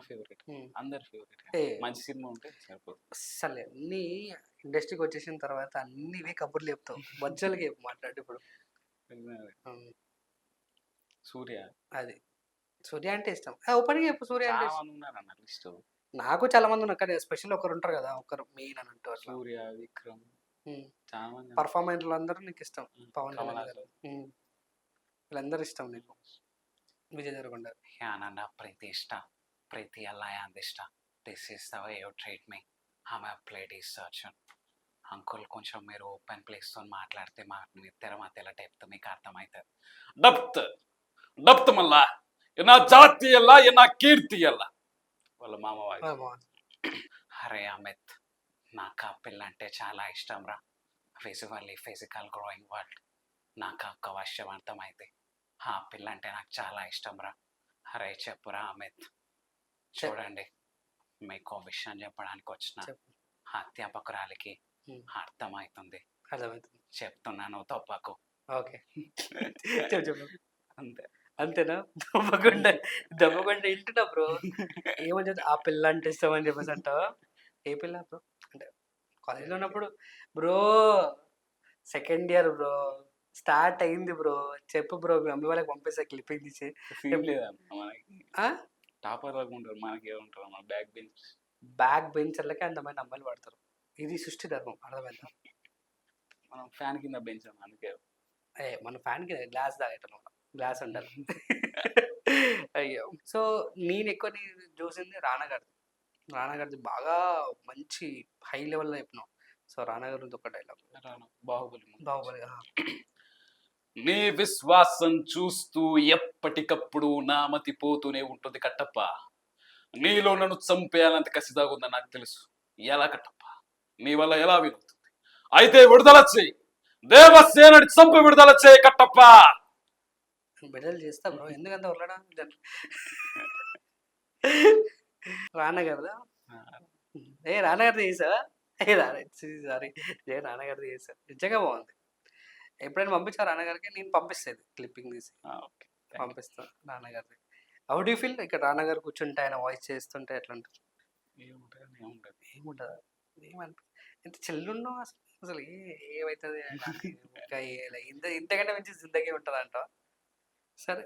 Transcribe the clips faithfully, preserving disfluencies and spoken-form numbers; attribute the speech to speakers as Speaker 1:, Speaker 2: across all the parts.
Speaker 1: Favourite.
Speaker 2: హ్మ్.
Speaker 1: అందరి favourite.
Speaker 2: ఏ
Speaker 1: మంచి సినిమా ఉంటే సరిపోతుంది.
Speaker 2: అస్సలే అన్నీ ఇండస్ట్రీకి వచ్చేసిన తర్వాత అన్ని ఇవే కబుర్లు చెప్తావు. ఒరిజినల్‌గా చెప్పు మాట్లాడు ఇప్పుడు. హ్మ్.
Speaker 1: సూర్య
Speaker 2: అది. సూర్య అంటే ఇష్టం. ఆ! ఓపెన్‌గా చెప్పు సూర్య అంటే
Speaker 1: చాలా
Speaker 2: ఇష్టం.
Speaker 1: మంది ఉన్నారన్న లిస్ట్.
Speaker 2: నాకు చాలా మంది ఉన్నారు. కానీ స్పెషల్ ఒకరుంటారు కదా! ఒకరు మెయిన్ అని అంటూ అట్లా.
Speaker 1: సూర్య, విక్రమ్
Speaker 2: హ్మ్.
Speaker 1: చాలా మంది.
Speaker 2: పర్ఫార్మెన్స్‌లందరూ నీకిష్టం.
Speaker 1: హ్మ్.
Speaker 2: పవన్
Speaker 1: కమల్
Speaker 2: కళ్యాణ్ గారు.
Speaker 1: హాసన్.
Speaker 2: హ్మ్. వీళ్ళందరూ ఇష్టం నీకు. విజయ్ దేవరకొండ.
Speaker 1: Yeah, ನನ್ನ ಪ್ರೀತಿ ಇಷ್ಟ. ಪ್ರೀತಿ ಎಲ್ಲ ಯಾಂದಿಷ್ಟ. This is the way you treat me. I'm a lady surgeon. Uncle కొంచెం మీరు ఓపెన్ ప్లేస్తో మాట్లాడితే మా మీ ఇద్దరి మధ్యలో డెప్త్ మీకు అర్థమవుతుంది. డెప్త్ డెప్త్ మళ్ళా నా జాతి ఎలా నా కీర్తి ఎలా వాళ్ళ మామ
Speaker 2: ఆ!
Speaker 1: వాయిస్.
Speaker 2: బావుంది.
Speaker 1: అరే అమిత్, నాకు ఆ పిల్ల అంటే చాలా ఇష్టం రా. విజువల్లీ ఫిజికల్ గ్రోయింగ్ వరల్డ్ నాకు ఒక్క వర్షం అర్థమైంది. ఆ పిల్ల అంటే నాకు చాలా ఇష్టం రా. అరే చెప్పురా అమిత్.
Speaker 2: చె
Speaker 1: చూడండి, మీకు విషయం చెప్పడానికి వచ్చిన
Speaker 2: చెప్పు.
Speaker 1: అధ్యాపకురాలికి
Speaker 2: హ్మ్.
Speaker 1: అర్థమవుతుంది.
Speaker 2: అర్థమవుతుంది.
Speaker 1: చెప్తున్నాను తప్పకు.
Speaker 2: ఓకే. చెప్పు చెప్పు.
Speaker 1: అంతే.
Speaker 2: అంతేనా? దమ్మగుండ దమ్మగుండ ఇంటున్నా బ్రో. ఏమని చెప్తా ఆ పిల్ల అంటే ఇష్టం అని చెప్పేసి అంటావా? ఏ పిల్ల బ్రో? అంటే కాలేజ్‌లో ఉన్నప్పుడు bro second year bro. Start అయింది బ్రో. చెప్పు బ్రో మీ మమ్మీ వాళ్ళకి పంపిస్తా క్లిప్పింగ్ తీసి.
Speaker 1: సీన్ లేదన్న మనకి.
Speaker 2: ఆ?
Speaker 1: టాపర్ లాగా ఉంటారు, మనకి ఏముంటారు మన బ్యాక్ బెంచ్.
Speaker 2: బ్యాక్ బెంచర్లకే అంతమంది అమ్మాయిలు పడతారు. ఇది సృష్టి ధర్మం అర్థమైందా?
Speaker 1: మనం ఫ్యాన్ కింద బెంచ్ అందుకే.
Speaker 2: ఏ మన ఫ్యాన్‌కి గ్లాస్ తాగేటోళ్ళం. గ్లాస్ ఉండాలి. అయ్యో! సో నేను ఎక్కువ నేను చూసింది రానా గారిది. రానా గారిది బాగా మంచి హై లెవెల్‌లో చెప్పినావు. సో రానా గారిది ఒక డైలాగ్.
Speaker 1: రాను. బాహుబలి ముందు.
Speaker 2: బాహుబలి. ఆ!
Speaker 1: నీ విశ్వాసం చూస్తూ ఎప్పటికప్పుడు నా మతి పోతూనే ఉంటుంది కట్టప్ప. నీలో నన్ను చంపేయాలంత కసిదాగా ఉందని నాకు తెలుసు. ఎలా కట్టప్ప? నీ వల్ల ఎలా వీలవుతుంది? అయితే విడుదల చేయి. దేవసేనని చంపి విడుదల చేయి కట్టప్ప.
Speaker 2: విడుదల చేస్తా బ్రో. ఎందుకంత ఉర్లడం? రానా గారిదా? ఏ రానా గారిది చేసావా? ఏ రానా సారీ. ఏ రానా గారిది చేసా. నిజంగా బాగుంది. ఎప్పుడైనా పంపించావా రానా గారికి? నేను పంపిస్తా ఇది క్లిప్పింగ్ తీసి.
Speaker 1: ఓకే.
Speaker 2: పంపిస్తా రానా గారిది. How do you feel? ఇక్కడ రానా గారు కూర్చుంటే ఆయన వాయిస్ చేస్తుంటే ఎట్లా ఉంటుంది?
Speaker 1: ఏముంటుంది ఏముంటుంది.
Speaker 2: ఏముంటదా? ఏమనిపి ఎంత చిల్లున్నావు అసలు. అసలు ఏ ఏమైతది ఇంకా ఇంత ఇంతకంటే మంచి జిందగీ ఉంటదంటావా? సరే.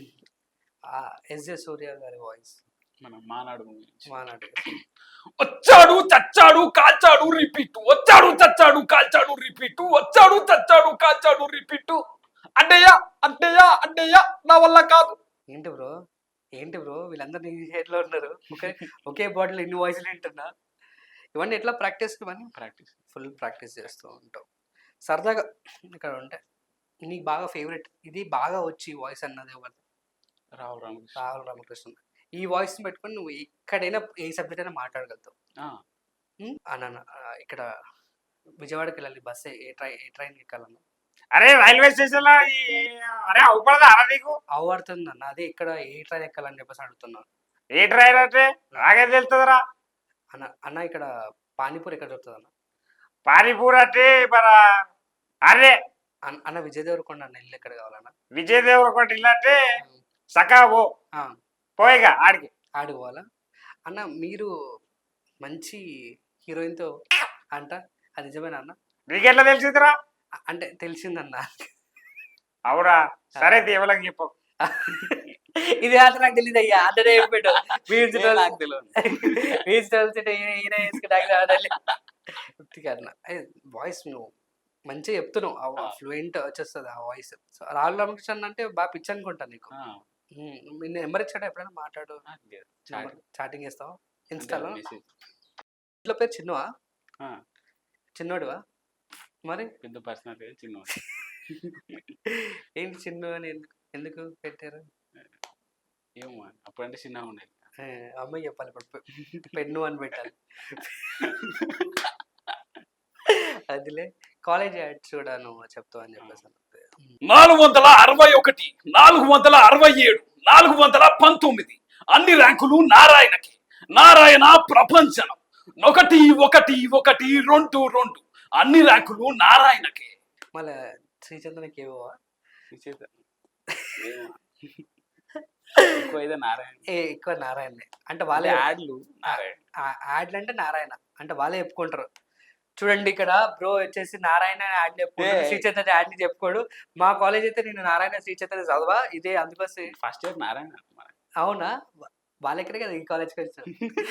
Speaker 2: ఆ 'ఎస్‌జే సూర్య' గారి వాయిస్.
Speaker 1: మనం మానాడు మూవీ నుంచి.
Speaker 2: మానాడు.
Speaker 1: వచ్చాడు చచ్చాడు కాల్చాడు రిపీట్. వచ్చాడు చచ్చాడు కాల్చాడు రిపీట్. వచ్చాడు చచ్చాడు కాల్చాడు రిపీట్. అడ్డయ్య అడ్డయ్య అడ్డయ్య నా వల్ల కాదు.
Speaker 2: ఏంటి బ్రో? ఏంటి బ్రో? వీళ్ళందరూ నీ హెడ్‌లో ఉన్నారు. ఒకే ఒకే బాటిల్ ఇన్ని వాయిస్‌లు వింటున్నా. ఇవన్నీ ఎట్లా ప్రాక్టీస్ ఇవన్నీ?
Speaker 1: ప్రాక్టీస్.
Speaker 2: ఫుల్ ప్రాక్టీస్ చేస్తూ ఉంటావు. సరదాగా ఇక్కడ ఉంటాయి. నీకు బాగా ఫేవరెట్ ఇది బాగా వచ్చి వాయిస్ అన్నది ఎవరిది?
Speaker 1: రావు రామకృష్ణ.
Speaker 2: రాహుల్ రామకృష్ణ. ఈ వాయిస్‌ని పెట్టుకొని నువ్వు ఎక్కడైనా ఏ సబ్జెక్ట్ అయినా మాట్లాడగలుగుతావు.
Speaker 1: ఆ,
Speaker 2: హ్మ్. అన్నన్న ఆహ్, ఇక్కడ విజయవాడకెళ్ళాలి బస్సు ఏ ట్రై ఏ ట్రైన్‌కి ఎక్కాలన్నా?
Speaker 3: అరే రైల్వే స్టేషన్ లో అరే అవుపడదా అరా నీకు?
Speaker 2: అవ్వడుతుందన్న. అదే ఇక్కడ ఏ ట్రైన్ ఎక్కాలని చెప్పేసి అడుగుతున్నా.
Speaker 3: ఏ ట్రైన్ అంటే నాకేం తెలుస్తుందిరా?
Speaker 2: అన్న అన్న ఇక్కడ పానీపూరి ఎక్కడ దొరుకుతదన్న?
Speaker 3: పానీపూరి అంటే మన అరే
Speaker 2: అన్ అన్న విజయ్ దేవరకొండ అన్న ఇల్లు ఎక్కడ కావాలన్న?
Speaker 3: విజయ్ దేవరకొండ ఇల్లు అంటే సకా పో
Speaker 2: ఆ!
Speaker 3: పోయిగా ఆడికి.
Speaker 2: ఆడికి పోవాలా? అన్న మీరు మంచి హీరోయిన్‌తో అంట. అది నిజమేనా అన్న?
Speaker 3: నీకెట్లా తెలిసిందిరా?
Speaker 2: అ అంటే తెలిసిందన్న.
Speaker 3: అవురా సరే దేవుళ్ళకి చెప్పు.
Speaker 2: ఇది మాత్రం నాకు తెలీదయ్యా. అన్ననే చెప్పాడు. మీమ్స్
Speaker 1: ఏ నాకు తెలియదు.
Speaker 2: మీమ్స్ తెలిసింటే ఈయన ఈయన వేసుకుంటే ఆడాలి. ఉత్తిగా అన్న. ఏ వాయిస్ నువ్వు మంచిగా చెప్తున్నావు. ఆ ఫ్లూయెంట్ వచ్చేస్తది ఆ వాయిస్. సో రాహుల్ రామకృష్ణ అంటే బాగా పిచ్చి అనుకుంటా నీకు.
Speaker 1: ఆ,
Speaker 2: హ్మ్. మీ నెంబర్ ఇచ్చాడా ఎప్పుడైనా మాట్లాడు?
Speaker 1: నాకు లేదు.
Speaker 2: Number
Speaker 1: chatting.
Speaker 2: చాటింగ్ చేస్తావా?
Speaker 1: అంటే
Speaker 2: ఇన్‌స్టాలో?
Speaker 1: మెసేజ్.
Speaker 2: ఇంట్లో పేరు చిన్నువా?
Speaker 1: ఆ,
Speaker 2: చిన్నోడివా? మరి?
Speaker 1: పెద్ద పర్సనాలిటీ చిన్న.
Speaker 2: ఏంటి చిన్ను అని ఎందుకు ఎందుకు పెట్టారు?
Speaker 1: ఏమో అప్పుడంటే చిన్నగా ఉండేది.
Speaker 2: ఆ! అమ్మాయికి చెప్పాలి ఇప్పుడు పె పెన్ను అని పెట్టాలి. అదిలే కాలేజ్ యాడ్స్ కూడా నువ్వు చెప్తావు అని చెప్పేసి అన్నది.
Speaker 1: నాలుగు వందల అరవై ఒకటి నాలుగు వందల అరవై ఏడు నాలుగు వందల పంతొమ్మిది అన్ని ర్యాంకులు నారాయణకి. నారాయణ ప్రపంచనం. ఒకటి ఒకటి ఒకటి రెండు రెండు అన్ని ర్యాంకులు నారాయణకి.
Speaker 2: మళ్ళా శ్రీచంద్రకి ఏవోవా?
Speaker 1: ఎక్కువ అయితే నారాయణ.
Speaker 2: ఏ ఎక్కువ నారాయణనే. అంటే
Speaker 1: వాళ్ళే
Speaker 2: వాళ్ళే
Speaker 1: యాడ్లు నారాయణ.
Speaker 2: ఆ- యాడ్లు అంటే నారాయణ అంటే వాళ్ళే చెప్పుకుంటారు. చూడండి ఇక్కడ బ్రో వచ్చేసి నారాయణ యాడ్ చెప్పుకోడు,
Speaker 1: ఏ.
Speaker 2: శ్రీ చైతన్య యాడ్ చెప్పుకోడు. మా కాలేజ్ అయితే నేను నారాయణ శ్రీ చైతన్య చదవా ఇదే అందుకోసం.
Speaker 1: ఫస్ట్ ఇయర్ నారాయణ అన్నమాట.
Speaker 2: అవునా వా- వాళ్ళెక్కడే కదా ఈ కాలేజ్కి వచ్చాం.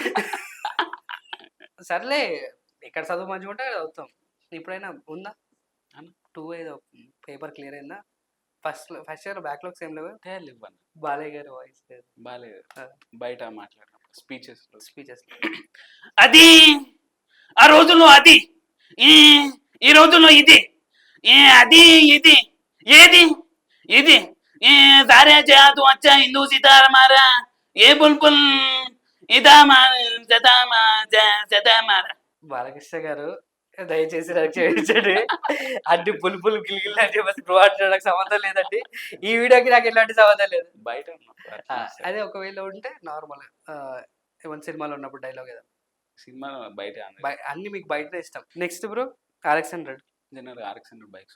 Speaker 2: సర్లే ఎక్కడ చదువు మంచిగా ఉంటే అక్కడ చదువుతాం. ఇప్పుడైనా ఉందా
Speaker 1: అన్న.
Speaker 2: టూ ఏదో పేపర్ క్లియర్ అయిందా? ఫస్ట్ ఫస్ట్ ఇయర్ బ్యాక్లాగ్స్ ఏం లేవు.
Speaker 1: తేలివ్వను
Speaker 2: బాలయ్య గారి వాయిస్
Speaker 1: బాలేదు.
Speaker 2: ఆ.
Speaker 1: బయట మాట్లాడినప్పుడు స్పీచెస్
Speaker 2: స్పీచెస్
Speaker 4: అది ఆ రోజుల్లో అది ఈ ఈ రోజుల్లో ఇది ఏ అది ఇది ఏది ఇది ఏ సారే చేయదు వచ్చా హిందూ సీతారామారా ఏ బుల్బుల్ ఇదా సదామా సదామారా.
Speaker 2: బాలకృష్ణ గారు దయచేసి నాకు క్షమించండి. అన్ని పులుపులు గిలిగిలి అని చెప్పేసి బ్రో అంటున్నాడు. సంబంధం లేదండి ఈ వీడియోకి నాకు ఎలాంటి సంబంధం లేదు.
Speaker 1: బయట ఉన్నప్పుడు
Speaker 2: ఆ,
Speaker 1: అట్లా
Speaker 2: అదే ఒకవేళ ఉంటే నార్మల్ ఏమైనా సినిమాలో ఉన్నప్పుడు డైలాగ్ ఏదో
Speaker 1: సినిమా బయట
Speaker 2: బయ- అన్ని మీకు బయట ఇష్టం. Next bro RX hundred.
Speaker 1: General RX hundred bikes.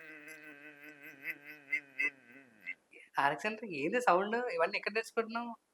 Speaker 2: RX hundred ఏంది సౌండ్ ఇవన్నీ ఎక్కడ తెచ్చుకుంటున్నావు?